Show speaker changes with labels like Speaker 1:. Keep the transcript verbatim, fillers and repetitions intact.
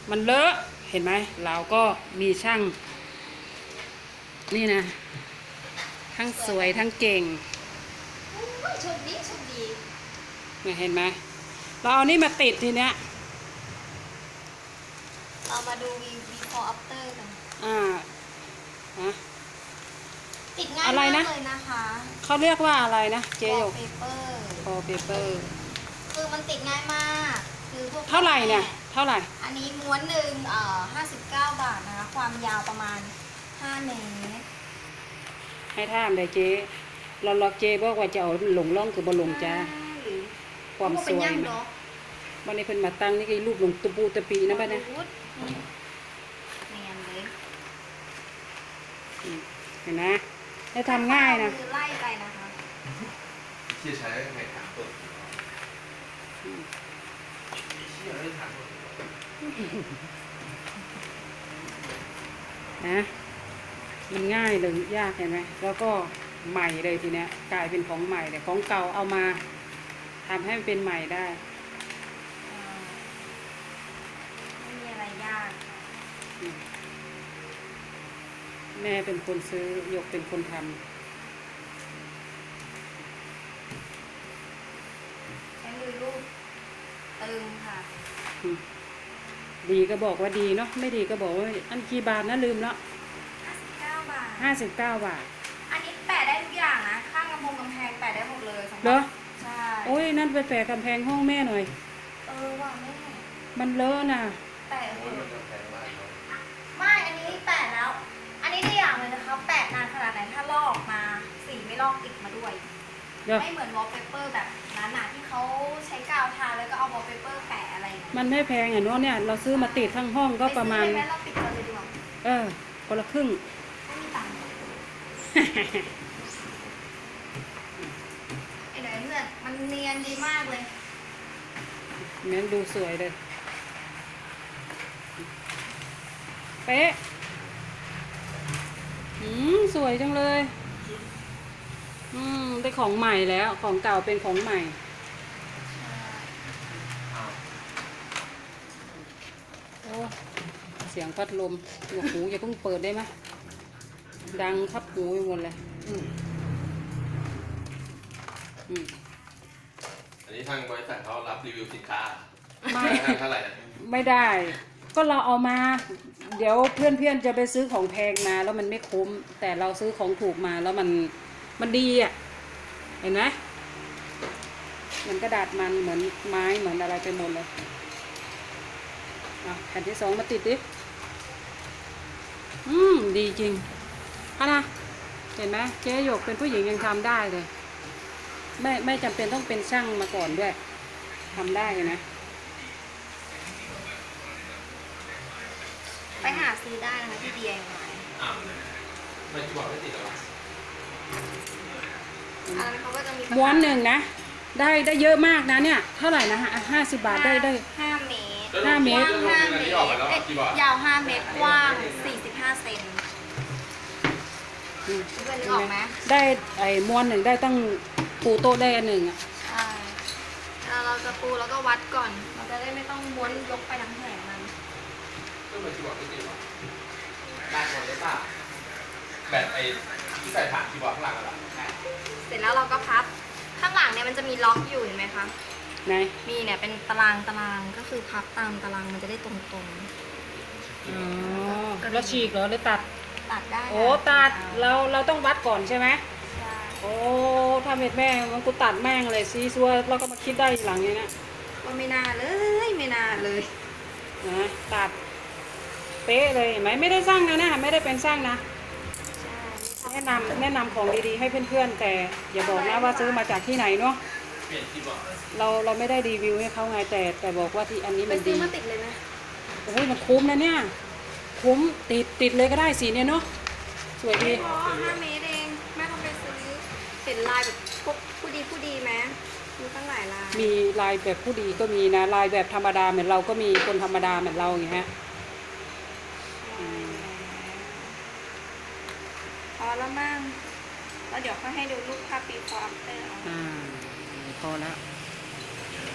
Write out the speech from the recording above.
Speaker 1: มันเลอะเห็นไหมเราก็มีช่างนี่นะทั้งสวยทั้งเก่ง
Speaker 2: โชคดีโชคดี
Speaker 1: เนี่ยเห็นไหมเราเอานี่มาติดทีเนี้ย
Speaker 2: เรามาดู before after กัน
Speaker 1: อ่าฮะ
Speaker 2: ติดง่ายมากเลยนะคะ
Speaker 1: เขาเรียกว่าอะไรนะเจโย
Speaker 2: wallpaper
Speaker 1: wallpaper
Speaker 2: คือมันติดง่ายมากคือพวก
Speaker 1: เท่าไหร่เนี่ยเท่าไหร่
Speaker 2: อันนี้ม้วนหนึ่งเอ่อห้าสิบเก้าบาทนะคะความยาวประมาณห้าเมตร
Speaker 1: ให้ท่ามเลยเจ๊เราล็อกเจ๊บอกว่าจะเอาหลงล่องคือบอลงจ้าความสวยนะวันนี้เพิ่นมาตั้งนี่ก็รูปลงตุปูตะปีนะบ้านนะ
Speaker 2: เนียนเลย
Speaker 1: เห็นนะได้ทำง่ายนะ
Speaker 2: ไล่ไปนะคะ
Speaker 3: ที่ใช้ในถางต้นที่ใช้ในถางต้น
Speaker 1: นะมันง่ายเลยยากเห็นไหมแล้วก็ใหม่เลยทีเนี้ยกลายเป็นของใหม่เลยของเก่าเอามาทำให้มันเป็นใหม่ได้
Speaker 2: ไม่มีอะไรยาก
Speaker 1: แม่เป็นคนซื้อยกเป็นคนทำ
Speaker 2: ใช้มือลูกตึงค่ะ
Speaker 1: ดีก็บอกว่าดีเนาะไม่ดีก็บอกว่าอันกี่บาทนะลืมแล้ว
Speaker 2: ห้าสิบเก้าบาท
Speaker 1: ห้าสิบเก้าบาท
Speaker 2: อันนี้แปะได้ทุกอย่างนะข้างกำแพงกำแพงแปะได้หมดเลย
Speaker 1: เหรอ
Speaker 2: ใช่
Speaker 1: โอ้ยนั่นไปแปะกำแพงห้องแม่หน่อย
Speaker 2: เออว่ะแม่
Speaker 1: มันเลอะน่ะ
Speaker 2: แปะไม่อันนี้แปะแล้วอันนี้ได้อย่างเลยนะคะแปะนานขนาดไหนถ้าลอกมาสีไม่ลอกติดมาด้วยไม่เหมือนวอลเปเปอร์แบบนั้นน่ะที่เขาใช้กาวทาแล้วก็เอาวอลเปเปอร์แปะอะไร
Speaker 1: มันไม่แพงอ่ะเนาะเนี่ยเราซื้อมาติดทั้งห้องก็ประมาณ
Speaker 2: ไม่เราติดกันเลยดีกว่า
Speaker 1: เออคนละครึ่ง
Speaker 2: ไม่มีตังค์ไอ้เดี๋ยวเพื่อนมันเนียนดีมากเลย
Speaker 1: แม้นดูสวยเลยเป๊ะอืมสวยจังเลยอืมได้ของใหม่แล้วของเก่าเป็นของใหม่โอ้เสียงพัดลมหนวกหูอย่าเพิ่งเปิดได้ไหมดังคับหูไปหมดเลยอืม
Speaker 3: อืมอันนี้ทางบริษัทเขารับรีวิวสินค้า
Speaker 1: ไม่
Speaker 3: เท่าไหร่
Speaker 1: ไม่ได้ก็เราเอามาเดี๋ยวเพื่อนๆจะไปซื้อของแพงมาแล้วมันไม่คุ้มแต่เราซื้อของถูกมาแล้วมันมันดีอ่ะเห็นไหมมันกระดาษมันเหมือนไม้เหมือนอะไรไปหมดเลยอ่ะแผ่นที่สองมาติดดิอืมดีจริงอะนะเห็นไหมเจ๊หยกเป็นผู้หญิงยังทำได้เลยไม่ไม่จำเป็นต้องเป็นช่างมาก่อนด้วยทำได้นะ
Speaker 2: ไปหาซื้อได้นะคะที่ ดี ไอ วาย
Speaker 3: อ้าวไม่ที่บอกไม่ติดหรอ
Speaker 2: อันนั้นเขาก็จะมี
Speaker 1: ม้วนหนึ่งนะได้ได้เยอะมากนะเนี่ยเท่าไหร่นะฮะห้าสิบบาทได้ได้
Speaker 2: ห้าเมตร
Speaker 1: ห้าเมตร
Speaker 2: ห้าเมตรยาวห้าเมตรกว้างสี่สิบห้าเซนเพื่อนนึกออกไหม
Speaker 1: ได้ไอ้ม้วนหนึ่งได้ตั้งปูโต๊ะได้อันหนึ่งอ่ะ
Speaker 2: ใช่เราจะปูแล้วก็วัดก่อนเราจะได้ไม่ต้องม้วนยกไปทั้งแผงมัน
Speaker 3: ก็เหมือนที่บอกไม่ติดหรอได้หมดเลยป่ะแบบไอ้ที่ใส่ถ่านที่บอกข้างหลังอะไร
Speaker 2: เสร็จแล้วเราก็พับข้างหลังเนี่ยมันจะมีล็อกอยู่เห็นไหมคะ
Speaker 1: ไหน
Speaker 2: มีเนี่ยเป็นตารางตารางก็คือพับตามตารางมันจะได้ตรงๆ
Speaker 1: อ๋อแล้วฉีกเหรอหรือตัด
Speaker 2: ตัดได้
Speaker 1: โอ้ตัดเราเราต้องวัดก่อนใช่ไหมใช่โอ้ถ้าเม็ดแม่มันกูตัดแม่งเลยซีซัวเราก็มาคิดได้หลังอย่างนี้
Speaker 2: ว่าไม่น่าเลยไม่น่าเลย
Speaker 1: นะตัดเป๊ะเลยเห็นไหมไม่ได้สร้างนะเนี่ยไม่ได้เป็นสร้างนะแนะนำแนะนำของดีๆให้เพื่อนๆแต่อย่าบอกนะว่าซื้อมาจากที่ไหนเนาะเราเราไม่ได้รีวิวให้เขาไงแต่แต่บอกว่าที่อันนี้มันดี
Speaker 2: มาติดเลยนะ
Speaker 1: โอ้ยมันคุ้มนะเนี่ยคุ้มติดติดเลยก็ได้สีเนี่ยเนาะสวยดี
Speaker 2: ห้าเมตรเองแม่ต้องไปซื้อเห็นลายแบบพวกผู้ดีผู้ดีไหมมีตั้งหลายลาย
Speaker 1: มีลายแบบผู้ดีก็มีนะลายแบบธรรมดาเหมือนเราก็มีคนธรรมดาเหมือนเราอย่างเงี้ย
Speaker 2: พอแล้วมั่งแล้วเดี๋ยวค่อยให้ดูรูปภาพ before after
Speaker 1: อ่าพอแล้ว